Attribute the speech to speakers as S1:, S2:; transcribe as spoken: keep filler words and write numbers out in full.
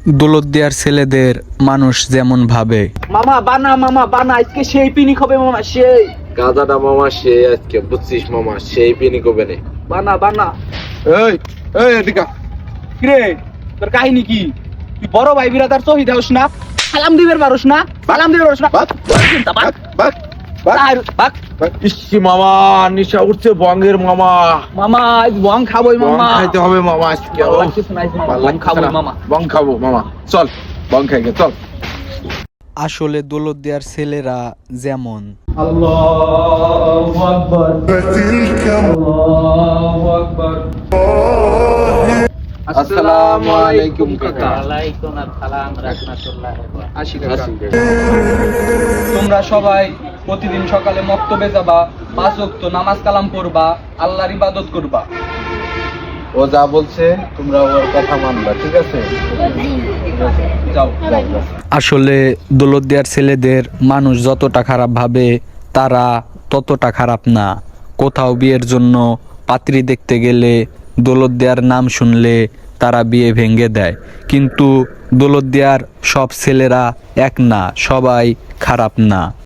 S1: দৌলতদিয়ার ছেলেদের মানুষ যেমন ভাবে।
S2: মামা বানা মামা বানা আজকে সেই পিনিক হবে মামা সেই
S3: গাজাটা মামা সে আজকে বুঝছিস মামা সেই পিনি কবে নে
S2: বানা বানা।
S3: এই এই এদিকে
S2: কিরে তোর কাহিনী কি? তুই বড় ভাই বিরাদার শহীদ হস না, সালাম দিবের পারস না, সালাম দিবের পারস না।
S3: বাক বাক বাক
S2: তার বাক
S3: ইসি মামা নিশা উঠছে বঙ্গের মামা
S2: মামা আজ বং খাবোই
S3: বং
S2: মামা।
S3: খাইতে হবে মামা আজকে
S2: ভালো লাগতেছে না আজ মামা,
S3: ভালো
S2: বং
S3: লাগতেছে
S2: খাবোই
S3: না।
S2: মামা।
S3: বং খাবো মামা চল বং খাইগে চল।
S1: আসলে দৌলতদিয়ার ছেলেরা যেমন।
S2: আল্লাহু আকবার আল্লাহু আকবার।
S3: আসসালামু আলাইকুম কাকা।
S2: ওয়ালাইকুম আসসালাম রাহমাতুল্লাহি ওয়া বারাকাতুহু। আশি কাকা,
S3: আসি কাকা।
S2: তোমরা সবাই প্রতিদিন সকালে মক্তবে যাবা, পাঁচ ওয়াক্ত নামাজ কালাম পড়বা, আল্লাহর ইবাদত করবা।
S3: ও যা বলছে তোমরা ওর কথা মানবা, ঠিক আছে? ঠিক আছে,
S2: যাও
S3: যাও, যাও।
S1: আসলে দৌলতদিয়ার ছেলেদের মানুষ যতটা খারাপ ভাবে তারা ততটা খারাপ না। কোথাও বিয়ের জন্য পাত্রী দেখতে গেলে দৌলতদিয়ার নাম শুনলে তারা বিয়ে ভেঙে দেয়। কিন্তু দৌলতদিয়ার সব ছেলেরা এক না, সবাই খারাপ না।